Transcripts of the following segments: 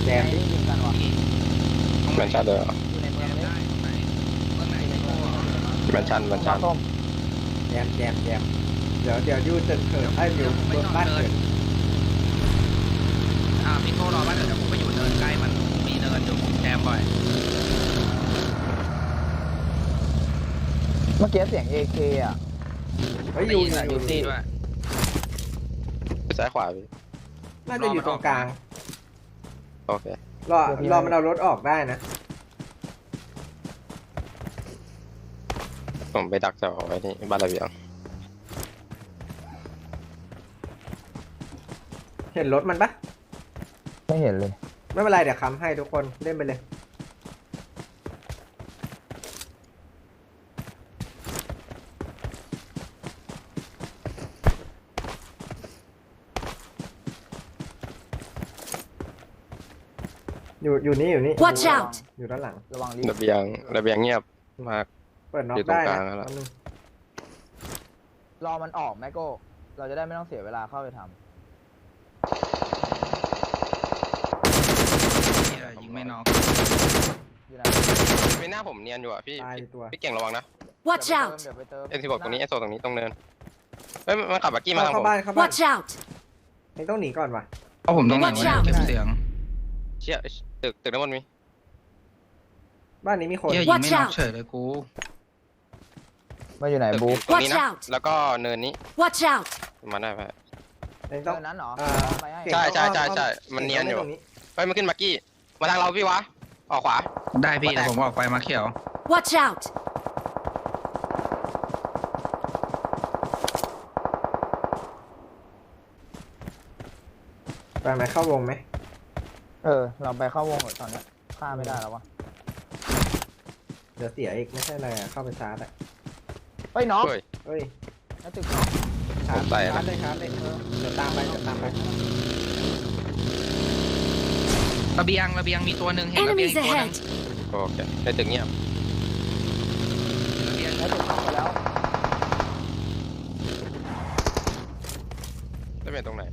มที่ยิงกันวะแมนชั่นเลยเหรออยู่ในเมืองเลยแมนชั่นส้มแจมเดี๋ยวยูจะเกิดให้อยู่บนบ้านเกิดพี่โก้รอบ้านเดี๋ยวผมไปอยู่เนินใกล้มันมีเนินอยู่แจมบ่อยเมื่อกี้เสียง AK อ่ะเฮ้ยได้ยูยินอะออยู่ ยู่นี่ด้วยซ้ายขวาพี่น่าจะอยู่ตรงกลางโอเครอมันเอารถออกได้นะผมไปดักเจ้าไว้นี่บ้านระเบียงเห็นรถมันปะไม่เห็นเลยไม่เป็นไรเดี๋ยวค้ำให้ทุกคนเล่นไปเลยอยู่นี่ Watch out อยู่ด้านหลังระวังรีระเบียงเงียบมากเปิดน็อกอยู่ตรได้งกลานะงแล้วแป๊บนึงรอมันออกแมโก้เราจะได้ไม่ต้องเสียเวลาเข้าไปทยิงไม่น็อกำอยู่ไหนไม่น่าผมเนียนอยู่อ่ะพี่ตายตัวพี่เก่งระวังนะ Watch out! เดี๋ยวไปเติม N16 ตรงนี้ S16 ตรงนี้ตรงเนินเฮ้ยมันขับบักกี้มาทางผเข้าม บ้าน Watch out! ยังต้องหนีก่อนวะเพราะผมต้องหนี Watch ไว้ out เก็บเสียงเชี่ยตึกด้านบนมีบ้านนี้มีคนเฮียยิงไม่น็อกเฉยเลยกูมาอยู่ไหนตึกบูตรงนี้นะ Watch out แล้วก็เนินนี้ Watch out! มาได้ไหมยังต้องเนินนั้นเหรออ่าไปให้ใช่มันเนียนอยู่ตรงนี้เฮ้ยมันขึ้นบักกี้มาทางเราพี่วะออกขวาได้พี่แต่ผมออกไปมาเขียว Watch out! ไปไหมเข้าวงไหมเราไปเข้าวงก่อนตอนนี้ฆ่าไม่ได้แล้ววะเดี๋ยวเสียอีกไม่ใช่อะไรอะเข้าไปชาร์จอะเฮ้ยน้องเฮ้ยเฮ้ยในตึกน้องชาร์จผมใส่นะชาร์จเลยเดี๋ยวตามไประเบียงมีตัวหนึ่งเห็นระเบียง Enemies อีกตัวหนึง ahead! โอเคในตึกเงียบระเบียงในตึกน้องไปแล้วจะเป็นตรงไหน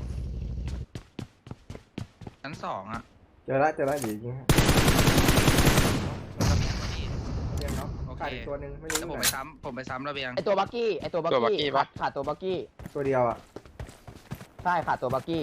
ชั้นสองอ่ะเจอละเดี๋ยวยิงให้ระเบียงพอดีเรียงเนาะโอเคขาดอีกตัวหนึ่งไม่รู้แล้วอผมยู่ไปไหนซ้ำผมไปซ้ำระเบียงไอตัวบักกี้ขาดตัวบักกี้ตัวเดียวอะใช่ขาดตัวบักกี้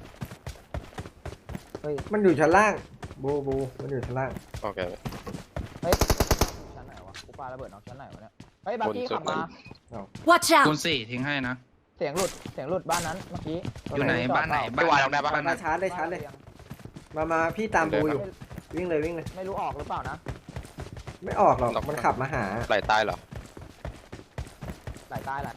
มันอยู่ชั้นล่างบูมันอยู่ชั้นล่างโอเคชั้นไหนวะกูปาระเบิดน้องชั้นไหนวะเนี่ยเฮ้ยบักกี้บนสุดขับมา Watch คู out! ณ4ทิ้งให้นะเสียงหลุดบ้านนั้นเมื่อกี้อยู่ไหนบ้านไหนไม่วายลงได้ปะบ้านไหนมาชาร์จเลยมาพี่ตามบูอยู่วิ่งเลยไม่รู้ออกหรือเปล่านะไม่ออกหรอกมันขับมาหาไหลใต้เหรอหลายตาย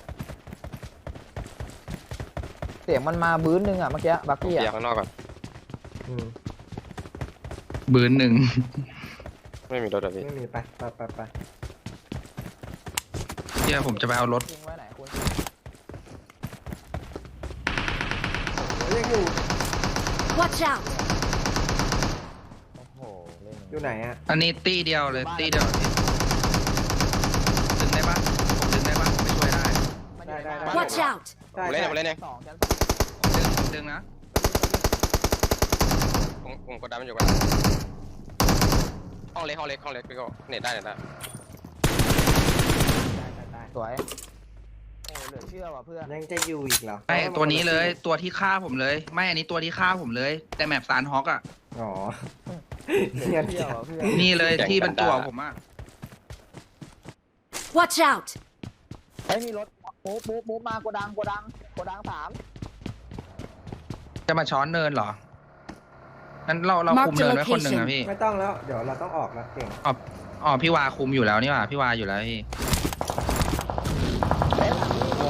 เสียงมันมาบื้นนึงอ่ะเมื่อกี้บักกี้เบียอ่ะร์ข้างนอกก่อนอืมบืนหนึ่งไม่มีรถอะพี่ไม่มีไปเฮียผมจะไปเอารถทิ้งไว้ไหนคุณเรียกอยู่ Watch out! โอ้โหเล่นอยู่ไหนอะอันนี้ตีเดียวเลยตีเดียวดึงได้ปะผมดึงได้ปะผมไปช่วยได้ Watch out! ใช่ผมเล่นเองสองชั้นผมดึงนะผมกดดันมันอยู่กันห้องเล็กพี่ก็เน็ตได้สวยโอ้เหลือเชื่อว่ะเพื่อนยังจะอยู่อีกเหรอไม่ตัวนี้เลยตัวที่ฆ่าผมเลย ไม่อันนี้ตัวที่ฆ่าผมเลย แต่แมปซานฮอกอ่ะอ๋อเหลืเงียอบ เชื่อว่ะเพื่อนนี่เลยที่เป็นตัวผมอ่ะ Watch out! เฮ้ยมีรถมูฟมาโกดังสามจะมาช้อนเนินเหรองั้นเราคุมเนินไว้คนหนึ่งนะพี่ไม่ต้องแล้วเดี๋ยวเราต้องออกแล้วเก่งอ๋อพี่วาคุมอยู่แล้วนี่หว่าพี่วาอยู่แล้วพี่เฮ้ยหลังนี้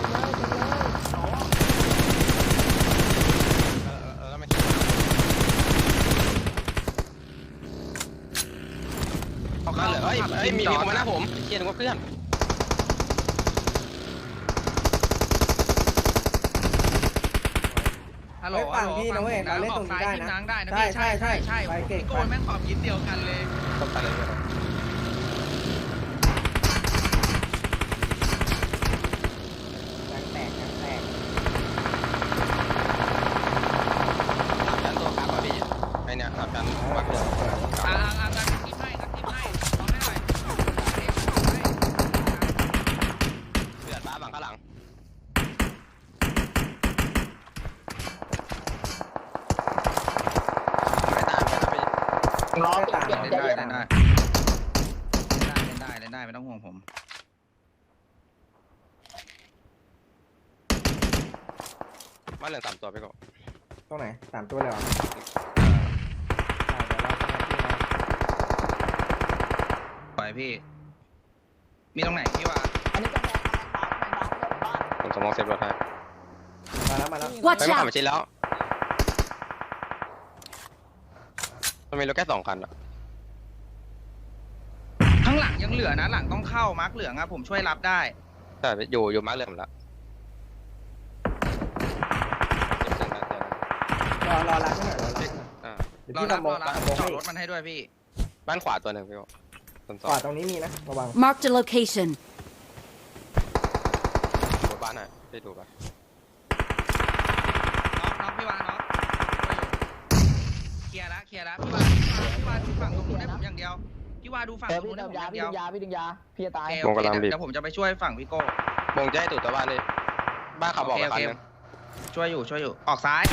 เอาเข้าเลยเฮ้ยมีคนมาหน้าผมเชียร์นึกว่าเพื่อนฮัลโหลฟังพี่นะเว้ยเราเล่นตรงนี้ได้นะนางได้นะใช่พี่ใช่ไปเก่งพี่โกนแม่งขอบยิดเดียวกันเลยต้องไปเลยแตกยันตัวกลับมาพี่ล้อตามเปลี่ยนเล่นใจได้เย็นเล่นได้เล่นได้เล่นได้ไม่ต้องห่วงผมบ้านเหลือง3 ตัวไปก่อนตรงไหน3 ตัวเลยเหรอได้เดี๋ยวเราไปที่เราปล่อยพี่ มีตรงไหนพี่ว่าอันนี้ก็แพงบ้านผมสมองเซฟรถให้มาแล้ว Watch ไม่ผ่าน out! มาชิดแล้วมันมีรถแค่2 คันอะข้างหลังยังเหลือนะ หลังต้องเข้ามาร์กเหลืองอะผมช่วยรับได้แต่อยู่มาร์คเหลืองแล้วรอรับให้หน่อยรอรับให้หน่อยอ่าเดี๋ยวรอพี่รับทำโมรอรับโมจอให้ดรถมันให้ด้วยพี่บ้านขวาตัวหนึ่งพี่บอกต้นขวาตรงนี้มีนะระวัง Marked a location. ดูบ้านหน่อยไปดูป่ะน็อกพี่วาน็อกเคลียร์ละพี่วาดูฝั่งตรงนู้นให้ผมอย่างเดียว พี่วาดูฝั่งเอตอรงพี่นู้นให้ดึผมงอยาย่างพี่เดียวดึงยาพี่จะตายโอเคเดี๋ยวผมจะไปช่วยฝั่งพี่โก้มงจะให้ตู่ตัวบ้านเลยบ้านขับบอกกับคันนึงช่วยอยู่ออกซ้าย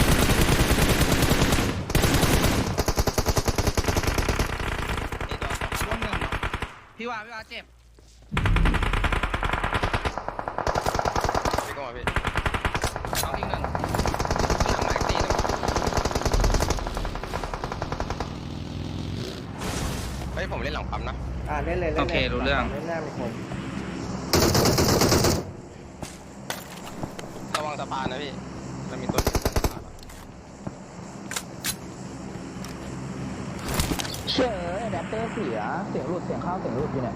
ช่วงหนึ่งพี่วาเจ็บพี่ก็มาพี่เอาอีกหนึ่งหลังไหนตีนึงเฮ้ยผมเล่นหลังปั๊มนะเล่นเลยเล่นเลยโอเครู้เรื่องเล่นหน้ามีคนระวังสะพานนะพี่มันมีตัวสะพานอะเชื่ออะแดปเตอร์เสียเสียงหลุดเสียงเข้าเสียงหลุดอยู่เนี่ย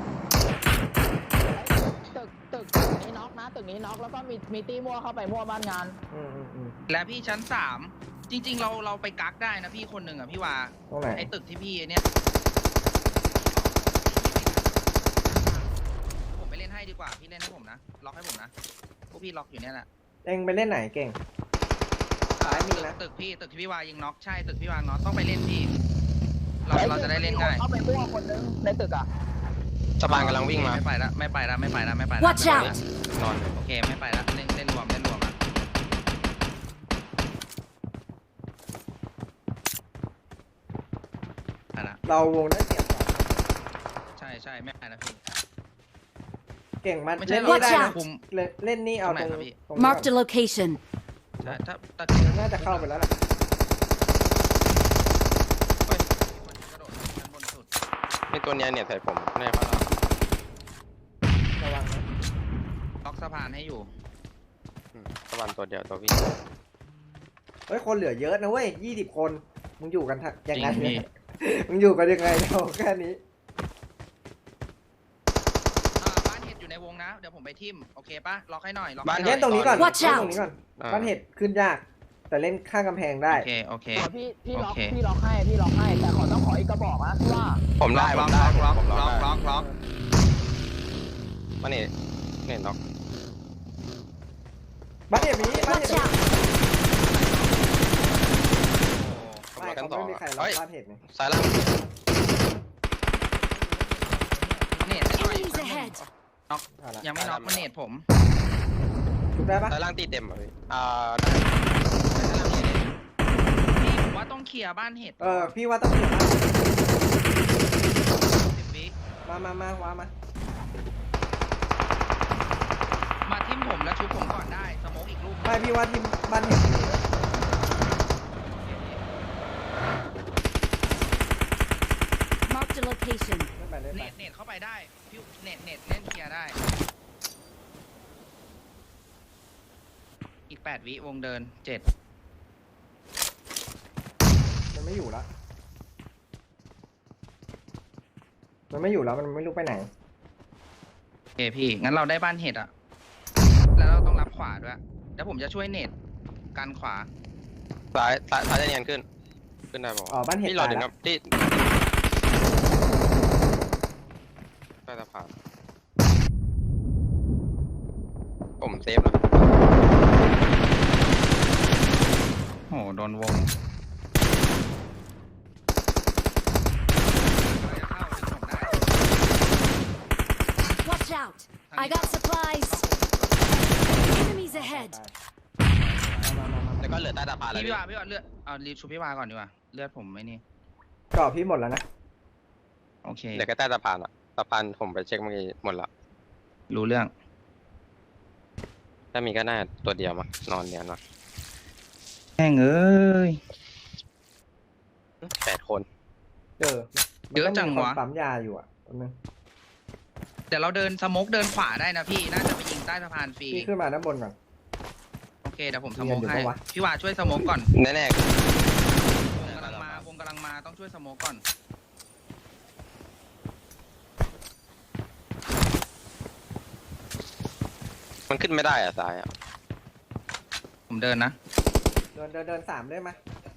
ตึกนี้น็อกนะตึกนี้น็อกแล้วก็มีตีมั่วเข้าไปมั่วบ้านงานและพี่ชั้น3จริงๆเราไปกักได้นะพี่คนหนึ่งอ่ะพี่วาตรงไหนไอ้ตึกที่พี่เนี่ยผมไปเล่นให้ดีกว่าพี่เล่นให้ผมนะล็อกให้ผมนะพวกพี่ล็อกอยู่เนี่ยแหละเองไปเล่นไหนเก่ง ซ้ายมีนะตึกที่พี่วายิงน็อกใช่ตึกพี่วาน็อกต้องไปเล่นพี่เราจะได้เล่นง่ายเข้าไปมั่วคนนึงในตึกอ่ะสะพานกำลังวิ่งมาไม่ไปละ Watch out! นอนโอเคไม่ไปละเล่นรวมอ่ะไปละเราวงได้เปรียบกว่าใช่ไม่ไปนะพี่เก่งมันไม่ใช่เล่นนี่ได้ Watch นะ out คุมเล่นนี่เอาตตรรง งไหนครับพี่ตรงนี้ Marked a location. ใช่ถ้าน่าจะเข้าไปแล้วล่ะเฮ้ยมีคนกระโดดชั้นบนสุดมีตัวเนี้ยเนี่ยใส่ผมแน่ครับระวังนะล็อกสะพานให้อยู่สะพานตัวเดียวตัวพี่เฮ้ยคนเหลือเยอะนะเว้ย20 คนมึงอยู่กันยังไงจริงพี่เนี่ยมึงอยู่กันยังไงเราแค่นี้บ้านเห็ดอยู่ในวงนะเดี๋ยวผมไปทิมโอเคปะล็อกให้หน่อยล็อกบ้านให้หเล่น่นอยตรงนี้ก่อน Watch เล่น out ตรงนี้ก่อนอ่าบ้านเห็ดขึ้นยาก แต่เล่นข้างกำแพงได้โอเคพี่ล็อกโอเคพี่ล็อกให้แต่ต้องขออีกกระบอกนะที่ว่าผมได้ผล็อมกได้ล็อกผมล็อกได้ล็อกมาเนี่ยน็อกบ้านเห็ดมีบ้านเห็ด Watch มี out! ผมไม่ล็อกกันเขาต่อไม่มีใครล็อกเฮ้ยบ้านเห็ดเนี่ยซ้ายล่างเนตให้หน่อย Enemies ahead เอาละยังไม่น็อกมันเนตผมชุบได้ปะซ้ายล่างตีเต็มอ่ะพี่พี่ผมว่าต้องเคลียร์บ้านเห็ดพี่ว่าต้องเสียบ้าน 10 วิมาว้ามามาทิมผมแล้วชุบผมก่อนได้สโมกอีกลูกไม่พี่ว่าที่บ้านเห็ดมี Marked a location. เล่นไปเล่นเนไปตเข้าไปได้พี่เนตเล่นเคลียร์ได้ อีก8 วิวงเดิน7 มันไม่อยู่แล้วมันไม่อยู่แล้วมันไม่รู้ไปไหนโอเคพี่งั้นเราได้บ้านเห็ดอะแล้วเราต้องรับขวาด้วยเดี๋ยวผมจะช่วยเนตกันขวาซ้ายจะเนียนขึ้นได้บอกบ้านเห็ดพี่รอตายถึงแล้คว รับที่ใต้สะพานผมเซฟแล้วโอ้โหโดนวง Watch out! I got supplies. Enemies ahead. แล้วก็เหลือใต้สะพานแล้วพี่พี่วาเลือดเอารีบชูพี่วาก่อนดีกว่าเลือดผมไม่นี่กรอบพี่หมดแล้วนะโอเคเดี๋ยวแค่ใต้สะพานอ่ะสะพานผมไปเช็คเมื่อกี้หมดละรู้เรื่องถ้ามีก็น่าตัวเดียวมานอนเนียนมาแม่งเอ้ย 8 คนเออเยอะจังวะมันต้องมีคนปั๊มยาอยู่อ่ะแป๊บนึงเดี๋ยวเราเดินสโมกเดินขวาได้นะพี่ น่าจะไปยิงใต้สะพานฟรีพี่ขึ้นมาด้านบนก่อนโอเคเดี๋ยวผมสโมกมีกันอยู่ให้ปะวะพี่วาช่วยสโมกก่อนแน่วงกำลังมาวงกำลังมาต้องช่วยสโมกก่อนๆมันขึ้นไม่ได้อ่ะซ้ายอ่ะผมเดินนะเดิน3ได้ไหม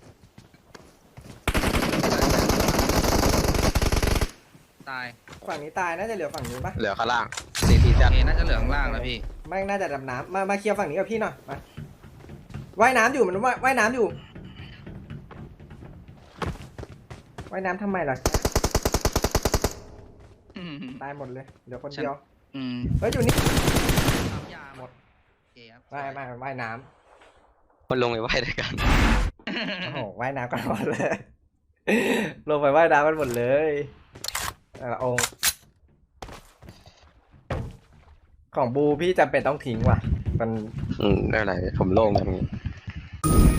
ตายฝั่งนี้ตายน่าจะเหลือฝั่งนี้ปะเหลือข้างล่างCT โอจัดเคน่าจะเหลือข้างล่างแล้วพี่ไม่งน่าจะดำน้ำมาเคลียร์ฝั่งนี้กับพี่หน่อยมาว่ายน้ำอยู่มันว่ายน้ำอยู่ว่ายน้ำทำไมล่ะตายหมดเลยเหลือคนเดียวอืมเฮ้ยอยู่นี่ปั๊มยาหมดโอเคครับไม่ว่ายน้มันลงไปไหว้ด้วยกันำโอ้โหว่ายน้ำกันหมดเลย ลงไปว่ายน้ำกันหมดเลยแต่ละองค์ของบูพี่จำเป็นต้องทิ้งว่ะมันไม่เป็นไรผมโล่งแบบนี้